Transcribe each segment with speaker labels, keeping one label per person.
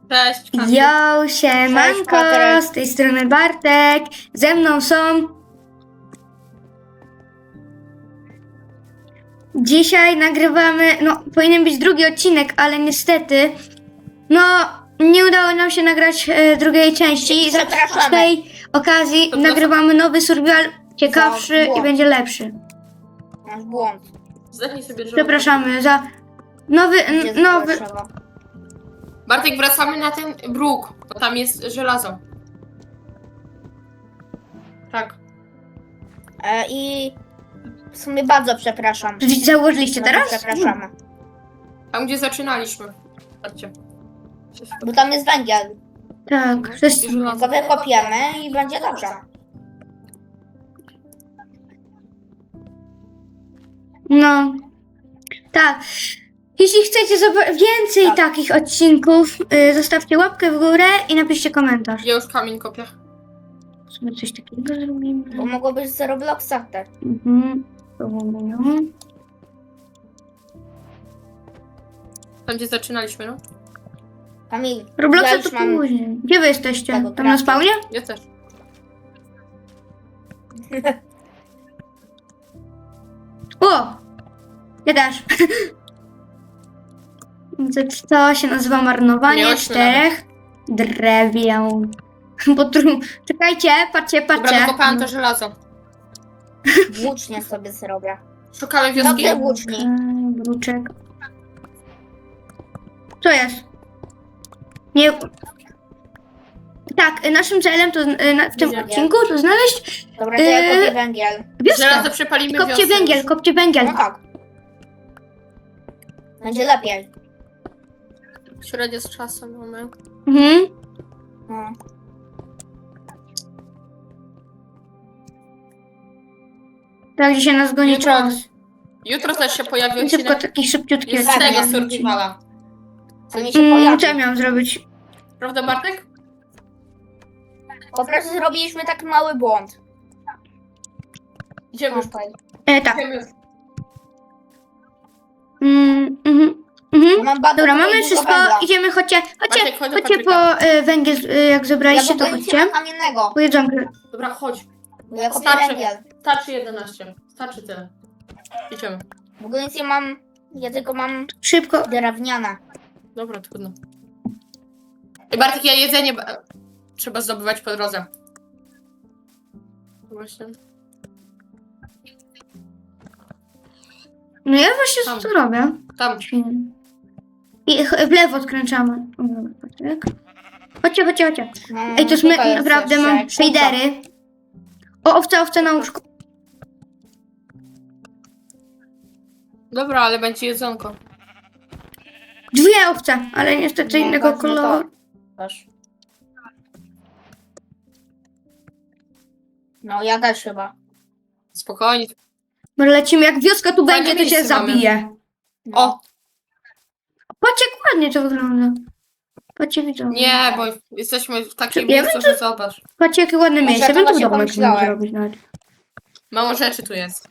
Speaker 1: Cześć, Kamil.
Speaker 2: Yo, siemanko,
Speaker 3: Patryk.
Speaker 2: z tej strony Bartek, ze mną są... Dzisiaj nagrywamy, powinien być drugi odcinek, ale niestety, nie udało nam się nagrać drugiej części. Z
Speaker 3: Przepraszamy.
Speaker 2: tej okazji
Speaker 1: Przepraszam.
Speaker 2: nagrywamy nowy survival, ciekawszy
Speaker 3: błąd.
Speaker 2: i będzie lepszy.
Speaker 3: Masz błąd.
Speaker 1: Zdechnij sobie drzewo.
Speaker 2: Przepraszamy za nowy,
Speaker 3: Gdzie
Speaker 2: nowy...
Speaker 3: trzeba?
Speaker 1: Bartek, wracamy na ten bruk, bo tam jest żelazo. Tak.
Speaker 3: I w sumie bardzo przepraszam.
Speaker 2: Założyliście
Speaker 3: Bardzo
Speaker 2: teraz?
Speaker 3: Przepraszamy.
Speaker 1: Tam, gdzie zaczynaliśmy. Patrzcie.
Speaker 3: Bo tam jest węgiel.
Speaker 2: Tak, to jest...
Speaker 3: Go wykopiemy i będzie dobrze.
Speaker 2: No, tak. Jeśli chcecie więcej
Speaker 3: Tak.
Speaker 2: takich odcinków, zostawcie łapkę w górę i napiszcie komentarz.
Speaker 1: Ja już kamień kopię.
Speaker 2: Sobie coś takiego zrobimy.
Speaker 3: Bo mogło być z Robloxa też.
Speaker 2: Mhm. Próbujemy.
Speaker 1: Tam, gdzie zaczynaliśmy, no.
Speaker 3: Kamil,
Speaker 2: Robloxa
Speaker 3: ja
Speaker 2: to
Speaker 3: już mam...
Speaker 2: później. Gdzie wy jesteście?
Speaker 3: tego
Speaker 2: Tam na
Speaker 3: kraftu.
Speaker 2: spawnie?
Speaker 1: Ja też.
Speaker 2: O! Ja też. To się nazywa marnowanie
Speaker 1: Miałyśmy
Speaker 2: 4 drewien. Czekajcie, patrzcie,
Speaker 1: Dobra,
Speaker 2: patrzcie.
Speaker 1: wykopałam to żelazo.
Speaker 3: Włócznie sobie zrobię.
Speaker 1: Szukamy wioski.
Speaker 3: Dobrze, włóczni.
Speaker 2: Bruczek. Co jest? Nie. Tak, naszym celem to w tym
Speaker 1: Węgiel.
Speaker 2: odcinku to znaleźć
Speaker 3: Dobra, to ja kopię węgiel.
Speaker 1: Żelazo
Speaker 2: wioskę.
Speaker 1: przepalimy
Speaker 2: Kopcie
Speaker 1: wiosnę
Speaker 2: węgiel,
Speaker 1: już.
Speaker 2: kopcie węgiel.
Speaker 3: No tak. Będzie lepiej.
Speaker 1: Średnio z czasem mamy.
Speaker 2: Mhm.
Speaker 3: No.
Speaker 2: Tak, dzisiaj nas goni
Speaker 1: Jutro,
Speaker 2: czas.
Speaker 1: jutro też się pojawi
Speaker 2: Szybko,
Speaker 1: odcinek.
Speaker 2: taki szybciutki
Speaker 1: Jest z
Speaker 2: odcinek.
Speaker 1: tego survivala.
Speaker 3: To mi się
Speaker 2: Co ja
Speaker 3: pojawi.
Speaker 2: miałam zrobić?
Speaker 1: Prawda, Bartek?
Speaker 3: Po prostu zrobiliśmy taki mały błąd.
Speaker 1: Idziemy już.
Speaker 2: Tak.
Speaker 1: Idziemy już.
Speaker 3: Mam bardzo
Speaker 2: Dobra,
Speaker 3: dużo
Speaker 2: mamy wszystko,
Speaker 3: węgla.
Speaker 2: idziemy, chodźcie
Speaker 1: Chodź do
Speaker 2: po węgiel, jak
Speaker 3: Ja
Speaker 2: zebraliście,
Speaker 3: w
Speaker 2: to
Speaker 3: ogóle nie
Speaker 2: chodźcie.
Speaker 3: mam kamiennego.
Speaker 2: Po jedzonku.
Speaker 1: Dobra, chodź.
Speaker 3: Bo ja kopię
Speaker 1: Starczy.
Speaker 3: węgiel.
Speaker 1: Starczy 11. Starczy tyle. Idziemy.
Speaker 3: W ogóle nic nie mam. Ja tylko mam
Speaker 2: Szybko.
Speaker 3: drewniane.
Speaker 1: Dobra, trudno. I Bartek, ja jedzenie trzeba zdobywać po drodze. Właśnie.
Speaker 2: No ja właśnie
Speaker 1: Tam.
Speaker 2: co robię.
Speaker 1: Tam.
Speaker 2: I w lewo odkręcamy. O, dobra, Patryk. Chodźcie.
Speaker 3: No,
Speaker 2: Ej, to jest
Speaker 3: tutaj
Speaker 2: naprawdę
Speaker 3: jeszcze
Speaker 2: mam
Speaker 3: kurczak.
Speaker 2: shadery. O, owca na łóżku.
Speaker 1: Dobra, ale będzie jedzonko.
Speaker 2: Dwie owce, ale niestety
Speaker 3: No,
Speaker 2: innego
Speaker 3: tak, no
Speaker 2: koloru.
Speaker 3: Też. No ja też chyba.
Speaker 1: Spokojnie.
Speaker 2: Może lecimy, jak wioska tu
Speaker 1: Fajne
Speaker 2: będzie, to się
Speaker 1: miejsce mamy.
Speaker 2: zabije.
Speaker 3: No.
Speaker 1: O!
Speaker 2: Patrzcie, jak ładnie to wygląda. Patrzcie, widzą.
Speaker 1: Nie, bo jesteśmy w takim
Speaker 2: Ja
Speaker 1: miejscu,
Speaker 2: wiem,
Speaker 1: że zobacz.
Speaker 2: Patrzcie, jakie ładne
Speaker 3: Może
Speaker 2: miejsce.
Speaker 3: to
Speaker 2: Bym tu
Speaker 3: właśnie
Speaker 2: domek mógł
Speaker 3: pomyślałem.
Speaker 2: zrobić nawet.
Speaker 1: Mało rzeczy tu jest.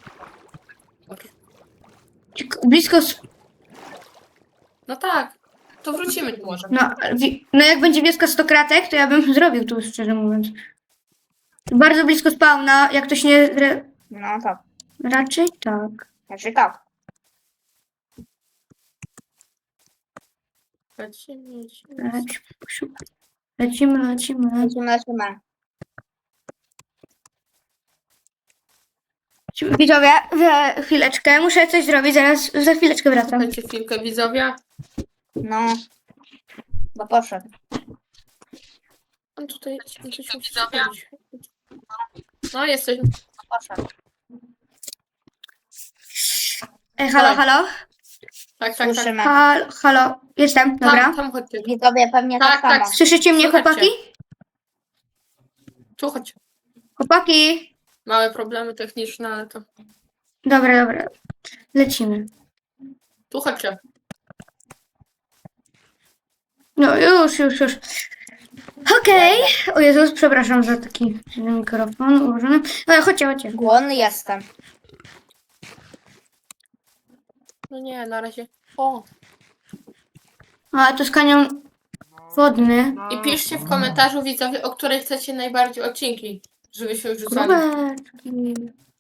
Speaker 2: Blisko...
Speaker 1: No tak. To wrócimy tu może.
Speaker 2: No jak będzie wioska 100 kratek, to ja bym zrobił tu, szczerze mówiąc. Bardzo blisko spawna, jak ktoś nie...
Speaker 3: No tak.
Speaker 2: Raczej tak.
Speaker 3: Znaczy tak.
Speaker 1: Lecimy.
Speaker 2: Lecimy.
Speaker 3: Lecimy.
Speaker 2: Widzowie, za chwileczkę, muszę coś zrobić, za chwileczkę wracam.
Speaker 1: Słuchajcie chwilkę, widzowie.
Speaker 3: No. Bo poszedł.
Speaker 1: On tutaj coś musi zrobić. No, jesteśmy.
Speaker 3: Poszedł.
Speaker 2: Halo?
Speaker 1: Tak.
Speaker 3: Słyszymy.
Speaker 2: Halo, jestem, dobra.
Speaker 1: Tam chodźcie.
Speaker 3: Widzowie pewnie tak,
Speaker 1: Tak,
Speaker 3: samo.
Speaker 2: Słyszycie mnie,
Speaker 1: Słuchajcie.
Speaker 2: chłopaki?
Speaker 1: Tu chodź.
Speaker 2: Chłopaki!
Speaker 1: Małe problemy techniczne, ale to...
Speaker 2: Dobra. Lecimy.
Speaker 1: Tu chodźcie.
Speaker 2: No już. Okej. O Jezus, przepraszam za taki mikrofon ułożony. No chodźcie.
Speaker 3: Głodny jestem.
Speaker 1: No nie, na razie. O!
Speaker 2: A to z kanią Wodny.
Speaker 1: I piszcie w komentarzu, widzowie, o której chcecie najbardziej odcinki, żebyśmy wrzucali.
Speaker 2: Króweczki.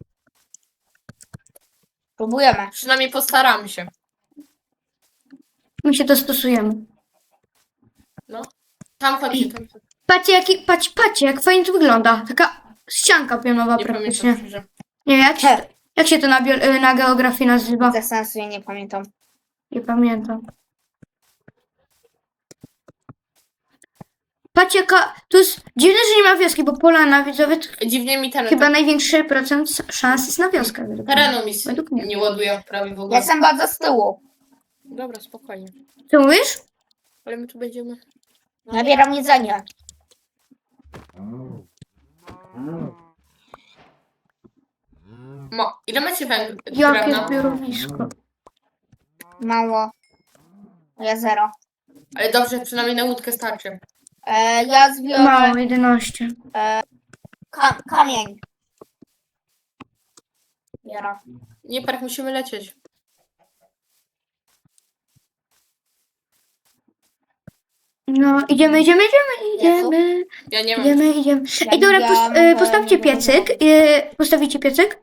Speaker 3: Próbujemy.
Speaker 1: Przynajmniej postaramy się.
Speaker 2: My się dostosujemy.
Speaker 1: No. Tam chodźcie, tam.
Speaker 2: Patrzcie, jak fajnie to wygląda. Taka ścianka pionowa
Speaker 1: Nie
Speaker 2: praktycznie.
Speaker 1: pamiętam, że...
Speaker 2: Nie, jak się to na geografii nazywa?
Speaker 3: Bez sensu, ja nie pamiętam.
Speaker 2: Nie pamiętam. Patrzcie, tu jest dziwne, że nie ma wioski, bo Polana, widzowie, to
Speaker 1: Dziwnie mi ten
Speaker 2: chyba największy procent szans jest na wioskę. według mnie.
Speaker 1: terenu mi
Speaker 2: Według mnie.
Speaker 1: nie ładuje prawie w
Speaker 3: Ja
Speaker 1: ogóle.
Speaker 3: jestem bardzo z tyłu.
Speaker 1: Dobra, spokojnie.
Speaker 2: Co mówisz?
Speaker 1: Ale my tu będziemy...
Speaker 3: Nabieram jedzenie.
Speaker 1: Ile macie węgla?
Speaker 2: Jakie zbiorowisko.
Speaker 3: Mało. Ja 0.
Speaker 1: Ale dobrze, przynajmniej na łódkę starczy.
Speaker 3: Ja zbiorę
Speaker 2: Mało, 11.
Speaker 3: kamień. Biorę.
Speaker 1: Nie, park, musimy lecieć.
Speaker 2: No, idziemy.
Speaker 1: Ja nie mam.
Speaker 2: Idziemy.
Speaker 3: Ja
Speaker 2: Ej, dobra,
Speaker 3: widziałam,
Speaker 2: postawcie
Speaker 3: bo-
Speaker 2: piecyk. Postawicie piecyk?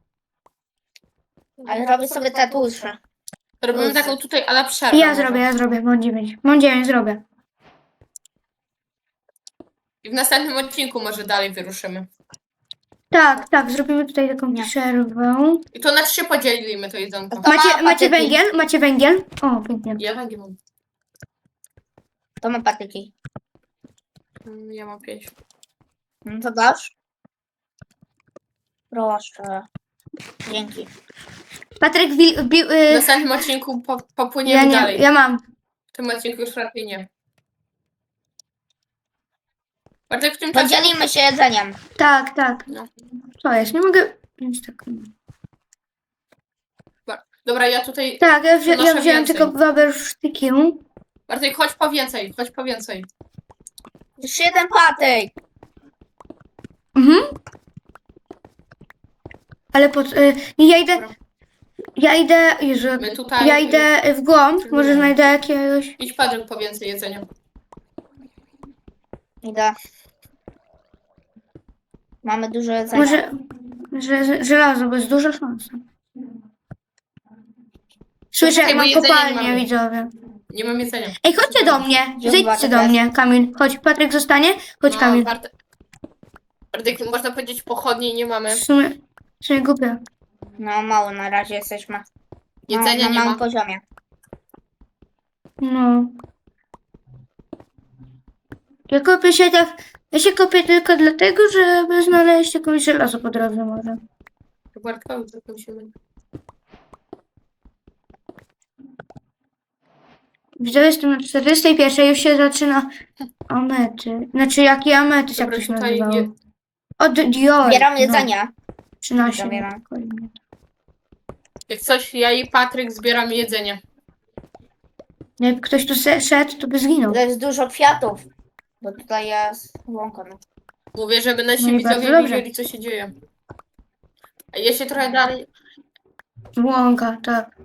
Speaker 3: Ale robię sobie tatusze.
Speaker 1: Robimy taką tutaj ala przerwę.
Speaker 2: Ja
Speaker 1: może.
Speaker 2: zrobię. Mam 9. Mam 9, zrobię.
Speaker 1: I w następnym odcinku może dalej wyruszymy.
Speaker 2: Tak, zrobimy tutaj taką
Speaker 3: Nie.
Speaker 2: przerwę.
Speaker 1: I to na 3 podzielimy to jedzonko.
Speaker 3: To
Speaker 2: Macie
Speaker 3: ma patyki.
Speaker 2: węgiel? Macie węgiel? O, węgiel.
Speaker 1: Ja węgiel mam.
Speaker 3: To ma patyki.
Speaker 1: Ja mam 5.
Speaker 3: No to dasz? Proszę. Dzięki.
Speaker 2: Patryk
Speaker 1: W następnym odcinku popłyniemy dalej.
Speaker 2: ja mam.
Speaker 1: W tym odcinku już raczej nie. Bartek, w tym czasie...
Speaker 3: Podzielimy się jedzeniem.
Speaker 2: Tak.
Speaker 1: No.
Speaker 2: Co jest? Nie mogę. Jest tak.
Speaker 1: Dobra, ja tutaj...
Speaker 2: Tak, ja
Speaker 1: Noszę
Speaker 2: wziąłem
Speaker 1: więcej.
Speaker 2: tylko wabersztyki.
Speaker 1: Bartek, chodź po więcej.
Speaker 3: Jeszcze jeden patyk.
Speaker 2: Mhm. Ale
Speaker 1: Dobra.
Speaker 2: Ja idę. Jezu,
Speaker 1: My tutaj...
Speaker 2: ja idę w głąb. Może
Speaker 1: Nie.
Speaker 2: znajdę jakiegoś.
Speaker 1: Idź, Patryk, po więcej jedzenia.
Speaker 3: Idę. Mamy dużo jedzenia.
Speaker 2: Może. Żelazo, bo jest duża szansa. Słyszę,
Speaker 1: Poczekaj, bo
Speaker 2: mam
Speaker 1: jedzenia nie
Speaker 2: kopalnię,
Speaker 1: mamy.
Speaker 2: widzowie.
Speaker 1: Nie mam jedzenia.
Speaker 2: Ej, chodźcie do mnie.
Speaker 3: Gdzie
Speaker 2: Zejdźcie
Speaker 3: Bartek
Speaker 2: do
Speaker 3: jest?
Speaker 2: mnie, Kamil. Chodź, Patryk zostanie. Chodź, Kamil.
Speaker 1: Bartek, można powiedzieć, pochodni nie mamy.
Speaker 2: W sumie głupio.
Speaker 3: No mało na razie jesteśmy.
Speaker 1: Jedzenia
Speaker 3: na
Speaker 1: nie
Speaker 3: małym
Speaker 1: ma.
Speaker 3: poziomie.
Speaker 2: No. Ja się kopię tylko dlatego, żeby znaleźć jakąś żelazo po drodze może.
Speaker 1: Bartkowi to musimy.
Speaker 2: Widzę, jestem na 41, już się zaczyna amety. Znaczy, jaki ametyz, jak
Speaker 1: Dobra,
Speaker 2: to się
Speaker 1: tutaj
Speaker 2: nazywało? Od Dior.
Speaker 3: Zbieram jedzenie.
Speaker 2: 13.
Speaker 3: Zabieram.
Speaker 1: Jak coś, ja i Patryk zbieramy jedzenie.
Speaker 2: Jak ktoś tu szedł, to by zginął.
Speaker 3: To jest dużo kwiatów. Bo tutaj jest łąka. No.
Speaker 1: Mówię, żeby nasi
Speaker 2: No i bardzo
Speaker 1: widzowie
Speaker 2: dobrze.
Speaker 1: wiedzieli, co się dzieje. A ja się trochę dalej...
Speaker 2: Łąka, tak.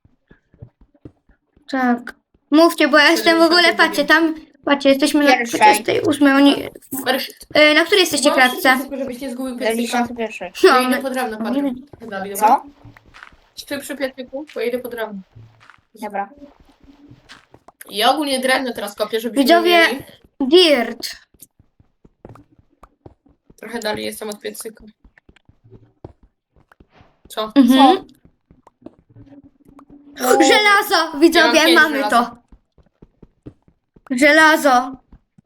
Speaker 2: Tak. Mówcie, bo ja jestem w ogóle, patrzcie, jesteśmy na
Speaker 3: Pierwszej.
Speaker 2: 48. Na której jesteście klatce?
Speaker 1: Tylko żebyś nie zgubił piecyka.
Speaker 3: 91.
Speaker 1: Ja
Speaker 2: No,
Speaker 1: idę pod drewno,
Speaker 2: no,
Speaker 1: Patryk.
Speaker 2: nie
Speaker 1: Dalej, dobra?
Speaker 3: Co?
Speaker 1: Stój przy piecyku, bo ja idę pod drewno.
Speaker 3: Dobra.
Speaker 1: Ja ogólnie drewno teraz kopię, żebyśmy
Speaker 2: Widzowie-
Speaker 1: mieli.
Speaker 2: Dirt.
Speaker 1: Trochę dalej jestem od piecyka. Co?
Speaker 2: Mhm. Żelazo, widzowie,
Speaker 1: Ja mam 5
Speaker 2: mamy
Speaker 1: żelaza.
Speaker 2: to. Żelazo.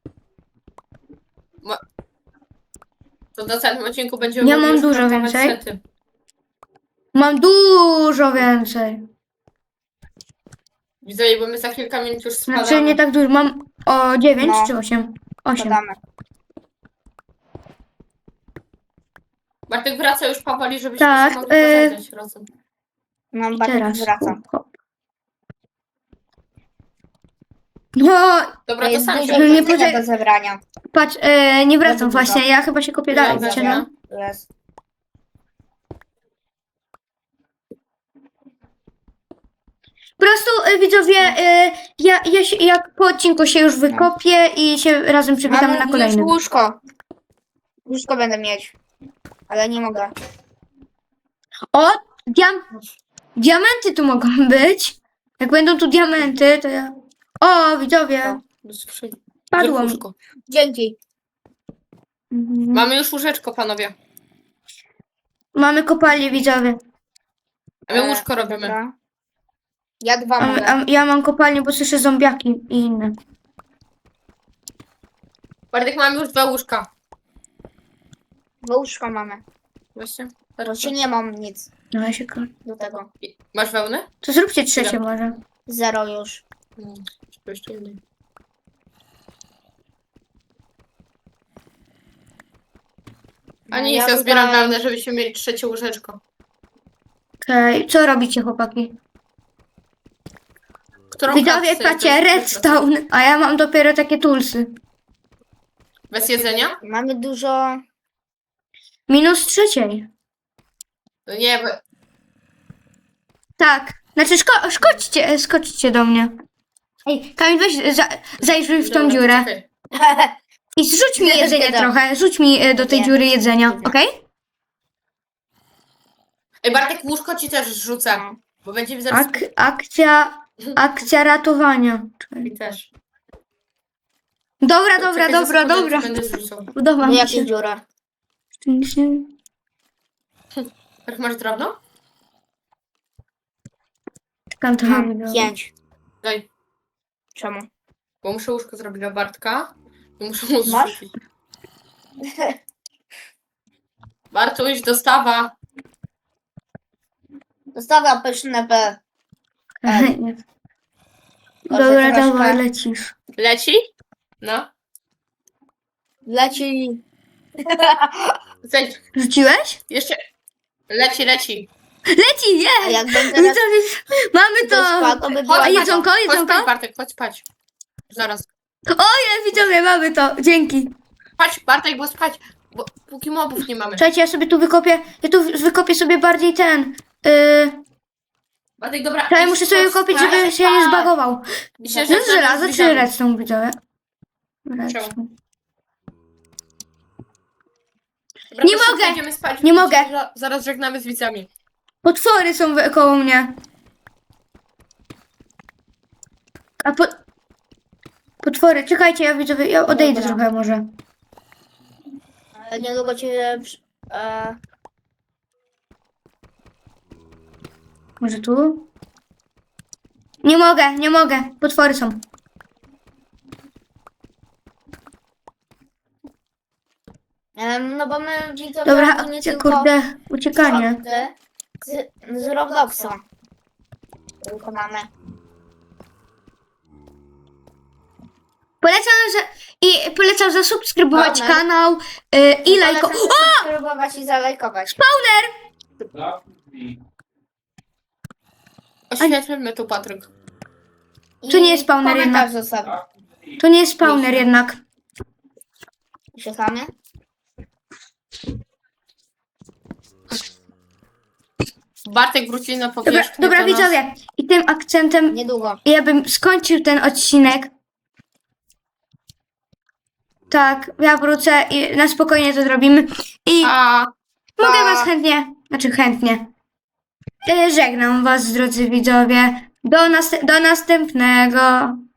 Speaker 1: To w następnym odcinku będziemy
Speaker 2: Ja
Speaker 1: mogli
Speaker 2: mam
Speaker 1: już
Speaker 2: dużo
Speaker 1: kraftować
Speaker 2: więcej.
Speaker 1: sety.
Speaker 2: Mam dużo więcej.
Speaker 1: Widzowie, bo my za kilka minut już spadamy.
Speaker 2: Znaczy nie tak dużo. Mam 9
Speaker 3: No.
Speaker 2: czy 8? 8.
Speaker 3: Podamy.
Speaker 1: Bartek wraca już powoli, żebyśmy
Speaker 2: Tak,
Speaker 1: się mogli pożegnać razem.
Speaker 3: No, bardzo
Speaker 2: Teraz.
Speaker 3: wracam.
Speaker 2: Hop. No,
Speaker 1: Dobra,
Speaker 3: To
Speaker 1: to
Speaker 3: jest
Speaker 1: sam
Speaker 3: dużo
Speaker 1: się
Speaker 2: nie
Speaker 3: jedzenia
Speaker 2: poczek-
Speaker 3: do zebrania.
Speaker 2: patrz, nie wracam
Speaker 3: Bardzo dużo.
Speaker 2: właśnie. Ja chyba się kopię
Speaker 1: Ja
Speaker 2: dalej.
Speaker 1: wracam.
Speaker 2: Wiecie, no?
Speaker 3: Tu jest.
Speaker 2: Po prostu widzowie, ja po odcinku się już wykopię i się razem przywitamy
Speaker 3: Mam
Speaker 2: na
Speaker 3: już
Speaker 2: kolejnym.
Speaker 3: łóżko. Łóżko będę mieć. Ale nie mogę.
Speaker 2: O, diamenty tu mogą być. Jak będą tu diamenty, to ja... O, widzowie,
Speaker 1: Do skrzyni.
Speaker 2: padło mi.
Speaker 1: Łóżko.
Speaker 3: Dzięki.
Speaker 2: Mhm.
Speaker 1: Mamy już łóżeczko, panowie.
Speaker 2: Mamy kopalnię, widzowie.
Speaker 1: A my łóżko robimy.
Speaker 3: Dobra. Ja dwa mogę.
Speaker 2: Ja mam kopalnię, bo słyszę zombiaki i inne.
Speaker 1: Bartek, mamy już 2 łóżka.
Speaker 3: Dwa łóżka mamy.
Speaker 1: Właśnie.
Speaker 3: Czy nie mam nic
Speaker 2: No ja się
Speaker 3: do tego.
Speaker 1: Masz wełnę?
Speaker 2: To zróbcie trzecie może.
Speaker 3: 0 już.
Speaker 1: Czy jeszcze jednej? A nie,
Speaker 3: No,
Speaker 1: ja zbieram
Speaker 3: tutaj-
Speaker 1: wełnę, żebyśmy mieli 3 łóżeczko.
Speaker 2: Okej, co robicie, chłopaki?
Speaker 1: Którą
Speaker 2: Widzowie,
Speaker 1: kartę
Speaker 2: patrzcie,
Speaker 1: chcesz?
Speaker 2: redstone, a ja mam dopiero takie toolsy.
Speaker 1: Bez jedzenia?
Speaker 3: Mamy dużo.
Speaker 2: Minus trzeciej.
Speaker 1: No nie, bo...
Speaker 2: Tak, znaczy skoczcie do mnie. Ej, Kamil, weź zajrzyj w tą
Speaker 1: Dobra,
Speaker 2: dziurę.
Speaker 1: czekaj.
Speaker 2: I zrzuć mi
Speaker 3: Nie,
Speaker 2: jedzenie
Speaker 3: nie dam.
Speaker 2: trochę, rzuć mi do tej
Speaker 3: Nie.
Speaker 2: dziury jedzenia, okej?
Speaker 1: Ej, Bartek, łóżko ci też rzucę. Bo będziemy zaraz...
Speaker 2: Akcja ratowania.
Speaker 1: I też.
Speaker 2: Dobra,
Speaker 1: Czekaj, za sekundę
Speaker 2: dobra.
Speaker 1: Będę zrzucał.
Speaker 2: Podoba
Speaker 3: No
Speaker 2: mi
Speaker 3: jakie
Speaker 2: się.
Speaker 3: dziura?
Speaker 1: Jak masz drewno?
Speaker 2: Czekam trochę.
Speaker 3: 5.
Speaker 1: Daj.
Speaker 3: Czemu?
Speaker 1: Bo muszę łóżko zrobić dla Bartka. I muszę mu
Speaker 3: Masz?
Speaker 1: zrzucić. Bartuś, dostawa.
Speaker 3: Zostawiam pyszne P.
Speaker 2: Dobra,
Speaker 3: troszkę.
Speaker 2: dawaj, lecisz.
Speaker 1: Leci? No.
Speaker 3: Leci.
Speaker 1: Zejdź.
Speaker 2: Rzuciłeś?
Speaker 1: Jeszcze. Leci.
Speaker 2: Leci,
Speaker 3: A
Speaker 2: jest!
Speaker 3: jak bym teraz
Speaker 2: Mamy to!
Speaker 3: spadł, to by była...
Speaker 2: A jedzonko,
Speaker 1: Chodź
Speaker 2: jedzonko?
Speaker 1: spać, Bartek, chodź spać. Zaraz.
Speaker 2: Widzowie, mamy to, dzięki.
Speaker 1: Spać, Bartek, bo spać. Bo póki mobów nie mamy.
Speaker 2: Słuchajcie, ja tu wykopię sobie bardziej ten.
Speaker 1: Bartek, dobra.
Speaker 2: Ja muszę sobie kopić, żeby się nie zbagował.
Speaker 1: Myślę,
Speaker 2: No
Speaker 1: że
Speaker 2: z żelaza czy redstone, widzowie? Redstone.
Speaker 1: Dobra,
Speaker 2: Nie
Speaker 1: to szybko
Speaker 2: mogę.
Speaker 1: idziemy spać.
Speaker 2: Nie mogę.
Speaker 1: Zaraz żegnamy z widzami.
Speaker 2: Potwory są koło mnie. A potwory, czekajcie, ja widzowie, ja odejdę
Speaker 3: Dobra.
Speaker 2: trochę może.
Speaker 3: Niedługo cię...
Speaker 2: Może tu? Nie mogę, potwory są.
Speaker 3: No bo my widzowie
Speaker 2: Dobra,
Speaker 3: ogólnie
Speaker 2: akcja,
Speaker 3: tylko
Speaker 2: kurde, uciekanie.
Speaker 3: shorty z Robloxa tylko mamy.
Speaker 2: Polecam zasubskrybować
Speaker 3: Spawner.
Speaker 2: kanał i lajko.
Speaker 3: Spróbować i zalajkować.
Speaker 1: Oświetlmy tu, Patryk.
Speaker 3: I
Speaker 2: Tu nie jest spawner
Speaker 3: komentarz zostawić.
Speaker 2: To nie jest spawner jednak.
Speaker 3: Czekamy.
Speaker 1: Bartek wróci na powierzchnię.
Speaker 2: Dobra,
Speaker 1: do nas.
Speaker 2: widzowie, i tym akcentem
Speaker 3: Niedługo.
Speaker 2: ja bym skończył ten odcinek. Tak, ja wrócę i na spokojnie to zrobimy. I
Speaker 1: A.
Speaker 2: mogę was chętnie. Żegnam was, drodzy widzowie. Do następnego.